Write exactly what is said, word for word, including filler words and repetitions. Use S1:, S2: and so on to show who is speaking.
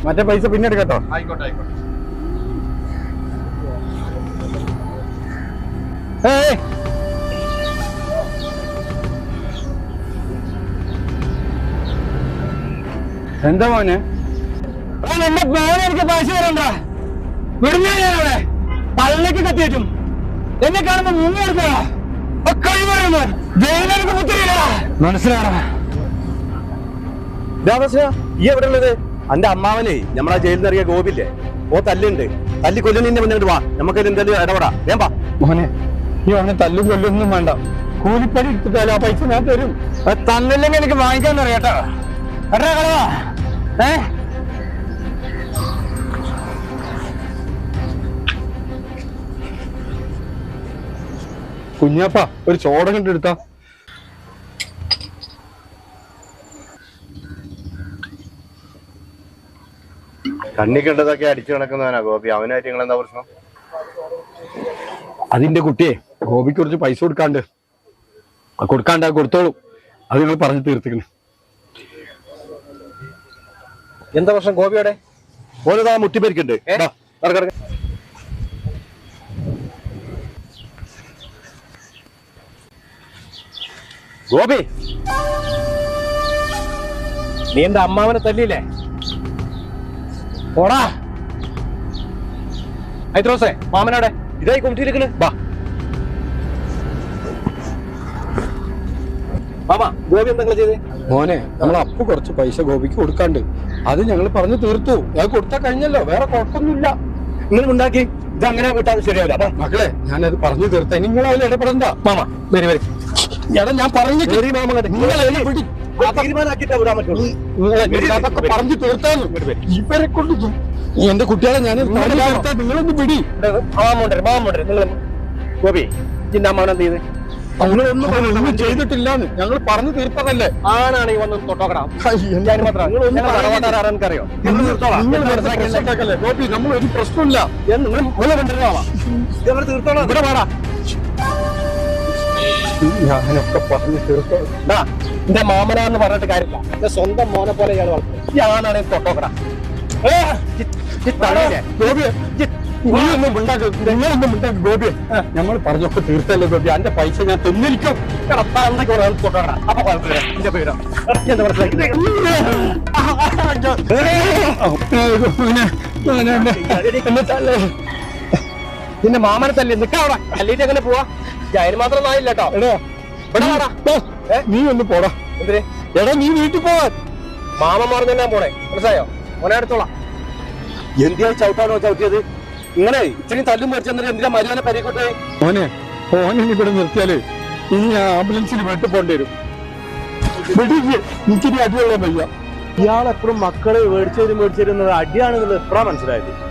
S1: മറ്റേ പൈസ പിന്നെ എടുക്കട്ടോ.
S2: ആയിക്കോട്ടെ ആയിക്കോട്ടെ.
S1: എന്താ മോനെ? എന്റെ മോനെ എനിക്ക് പൈസ തരണ്ട. വിടുന്ന ഞാനവിടെ പള്ളിക്ക് കത്തിയേറ്റും. എന്നെ കാണുമ്പോ മുങ്ങി എടുക്കണ ജയിലേക്ക് മുത്തിരില്ല. മനസ്സിലാണോ?
S3: ഈ എവിടെ ഉള്ളത്? എന്റെ അമ്മാവനെ നമ്മളാ ജയിലിൽ നിന്ന് ഇറങ്ങിയ ഗോപില്ലേ, ഓ തല്ലുണ്ട്. തല്ലി കൊല്ലുന്നതിന്റെ മുന്നേ വാ, നമുക്ക് എന്തായാലും ഇടപെടാ. വേം വാ
S1: മോനെ. ഈ അവനെ തല്ലു കൊല്ലൊന്നും വേണ്ട. കൂലിപ്പടി എടുത്തിട്ടാലും ആ പൈസ ഞാൻ തരും. തന്നില്ലെങ്കിൽ എനിക്ക് വാങ്ങിക്കാൻ അറിയാട്ടോ. എടാ കളവാ. ഏ കുഞ്ഞാപ്പ ഒരു ചോട കണ്ടെടുത്താ.
S3: കണ്ണി കണ്ടതൊക്കെ അടിച്ചു നടക്കുന്നവനാ ഗോപി. അവനായിട്ട് നിങ്ങൾ എന്താ പ്രശ്നം?
S1: അതിന്റെ കുട്ടിയെ ഗോപിക്ക് കുറച്ച് പൈസ കൊടുക്കാണ്ട് കൊടുക്കാണ്ട് കൊടുത്തോളൂ. അത് നിങ്ങൾ പറഞ്ഞു തീർത്തിക്കണ്.
S3: എന്താ പ്രശ്നം ഗോപിയോടെ? ഓരോ മുട്ടിപ്പരിക്കുണ്ട്. ഗോപി, നീ എന്റെ അമ്മാവനെ തല്ലിയില്ലേ?
S1: ഓടാ
S3: ഐത്രോസേ, മാമനോടെ ഇതായി കൊണ്ടിരിക്കണ്. ബാ മാമ, ഗോപി എന്തെങ്കിലും ചെയ്തേ?
S1: മോനെ, നമ്മൾ അപ്പ് കുറച്ച് പൈസ ഗോപിക്ക് കൊടുക്കാണ്ട് അത് ഞങ്ങൾ പറഞ്ഞു തീർത്തു. അത് കൊടുത്താൽ കഴിഞ്ഞല്ലോ, വേറെ കുഴപ്പമൊന്നുമില്ല.
S3: നിങ്ങൾ ഉണ്ടാക്കി ഇത് അങ്ങനെ വിട്ടാൽ ശരിയാവില്ല. അപ്പൊ
S1: മക്കളെ, ഞാനത് പറഞ്ഞു തീർത്ത. നിങ്ങൾ അതിൽ ഇടപെടണ്ട.
S3: മാമ വരി വരി.
S1: എടാ ഞാൻ പറഞ്ഞു
S3: തീരുമാനാക്കിട്ടാ വിടാൻ പറ്റുള്ളൂ.
S1: പറഞ്ഞു തീർത്താന്ന് ഇവരെ കൊണ്ട് എന്റെ കുട്ടികളെ ഞാൻ നിങ്ങളൊന്ന് പിടി.
S3: മാമുണ്ടേ മാമുണ്ടേ നിങ്ങൾ ഗോപി, ഇതിന്റെ അമ്മാവൻ എന്ത് ചെയ്ത്?
S1: ഒന്നും ചെയ്തിട്ടില്ലാന്ന് ഞങ്ങൾ പറഞ്ഞു തീർത്തതല്ലേ.
S3: ആണാണ് ഈ വന്ന് തൊട്ടോക്കടാ. എനിക്കറിയോ?
S1: ഗോപി, നമ്മൾ ഒരു പ്രശ്നമില്ല.
S3: തീർത്തോളാം. ഇവിടെ വേടാ,
S1: ഞാനൊക്കെ പറഞ്ഞു തീർത്തോ.
S3: എന്റെ മാമനാന്ന് പറഞ്ഞിട്ട് കാര്യമില്ല. എന്റെ സ്വന്തം മോനെ പോലെ ഇയാൾ വളർത്തുന്നത്. ഞാനാണ് തൊട്ടോക്കടാ.
S1: നിങ്ങളൊന്നും ഉണ്ടാക്കും നിങ്ങളൊന്നും ഉണ്ടാക്കും ഗോപി. നമ്മൾ പറഞ്ഞൊക്കെ തീർത്തല്ലേ ഗോപി. എന്റെ പൈസ ഞാൻ തിന്നിരിക്കും.
S3: തൊട്ടോക്കടാ. അപ്പൊ കുഴപ്പമില്ല. എന്റെ പേരോ എന്താ നിന്റെ മാമനെ തല്ലി നിൽക്കാവടാ. തല്ലിട്ട് എങ്ങനെ പോവാ? അതിന് മാത്രം നായില്ല കേട്ടോ.
S1: നീ ഒന്ന് പോടാ.
S3: എന്തിന്?
S1: എടാ നീ വീട്ടിൽ പോവാൻ.
S3: മാമന്മാർ തന്നെ പോണേ, മനസ്സിലായോ? മോനെ എടുത്തോളാം. എന്തിനാ ചവിട്ടാണോ ചവിട്ടിയത്? ഇങ്ങനെ ഇത്രയും തല്ലും മരിച്ചെന്നിട്ട് എന്തിനാ മരുവനെ പരിക്കോട്ടെ?
S1: മോനെ, ഓനെ ഇവിടെ നിർത്തിയാല് ഇനി ആംബുലൻസിൽ വീട്ടിൽ പോകേണ്ടി വരും. എനിക്കിനി അടിയുള്ള വയ്യ.
S3: ഇയാളെപ്പോഴും മക്കളെ മേടിച്ചു തരും മേടിച്ചു തരുന്നത് അടിയാണെന്നുള്ളത് എപ്പോഴാ മനസ്സിലായത്?